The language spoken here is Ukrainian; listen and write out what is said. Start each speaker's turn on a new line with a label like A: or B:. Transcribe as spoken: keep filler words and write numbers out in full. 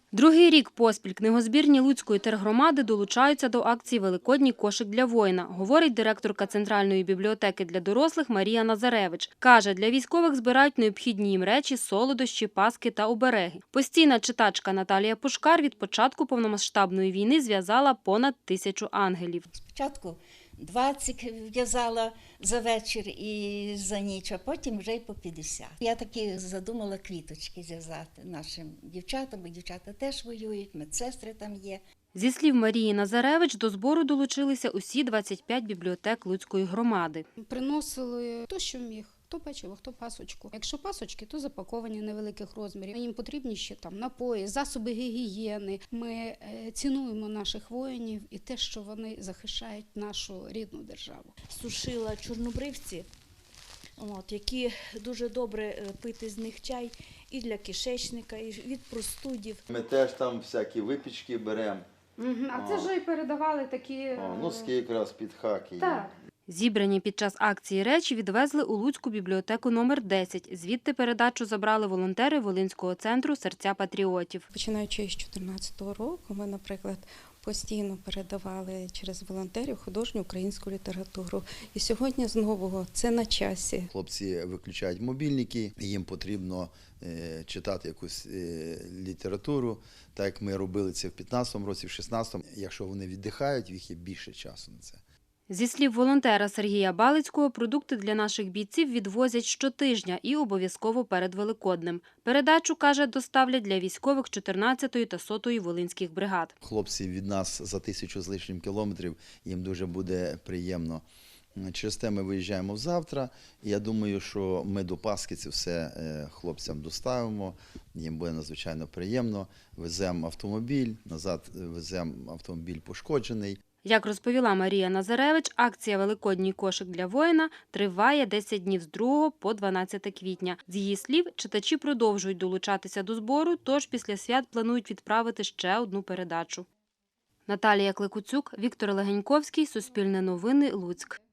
A: Другий рік поспіль книгозбірні Луцької тергромади долучаються до акції «Великодній кошик для воїна», говорить директорка Центральної бібліотеки для дорослих Марія Назаревич. Каже, для військових збирають необхідні їм речі, солодощі, паски та обереги. Постійна читачка Наталія Пушкар від початку повномасштабної війни зв'язала понад тисячу ангелів.
B: Спочатку двадцять в'язала за вечір і за ніч, а потім вже й по п'ятдесят. Я таки задумала квіточки зв'язати нашим дівчатам, бо дівчата теж воюють, медсестри там є.
A: Зі слів Марії Назаревич, до збору долучилися усі двадцять п'ять бібліотек Луцької громади.
C: Приносили хто що міг. Хто печиво, хто пасочку. Якщо пасочки, то запаковані невеликих розмірів. Їм потрібні ще там напої, засоби гігієни. Ми е, цінуємо наших воїнів і те, що вони захищають нашу рідну державу.
D: Сушила чорнобривці, от, які дуже добре пити з них чай і для кишечника, і від простудів.
E: Ми теж там всякі випічки беремо.
C: Угу. А це вже й передавали такі...
E: О, носки якраз під хаки.
C: Так.
A: Зібрані під час акції речі відвезли у Луцьку бібліотеку номер десять. Звідти передачу забрали волонтери Волинського центру «Серця патріотів».
F: Починаючи з дві тисячі чотирнадцятого року, ми, наприклад, постійно передавали через волонтерів художню українську літературу. І сьогодні знову це на часі.
E: Хлопці виключають мобільники, їм потрібно е, читати якусь е, літературу, так як ми робили це в п'ятнадцятому році, в шістнадцятому. Якщо вони віддихають, в їх є більше часу на це.
A: Зі слів волонтера Сергія Балицького, продукти для наших бійців відвозять щотижня і обов'язково перед Великоднем. Передачу, каже, доставлять для військових чотирнадцятої та сотої волинських бригад.
E: Хлопці від нас за тисячу з лишнім кілометрів, їм дуже буде приємно. Через те ми виїжджаємо завтра, і я думаю, що ми до Пасхи це все хлопцям доставимо, їм буде надзвичайно приємно. Веземо автомобіль, назад веземо автомобіль пошкоджений.
A: Як розповіла Марія Назаревич, акція «Великодній кошик для воїна» триває десять днів з другого по дванадцяте квітня. З її слів, читачі продовжують долучатися до збору, тож після свят планують відправити ще одну передачу. Наталія Кликуцюк, Віктор Легеньковський, Суспільне новини, Луцьк.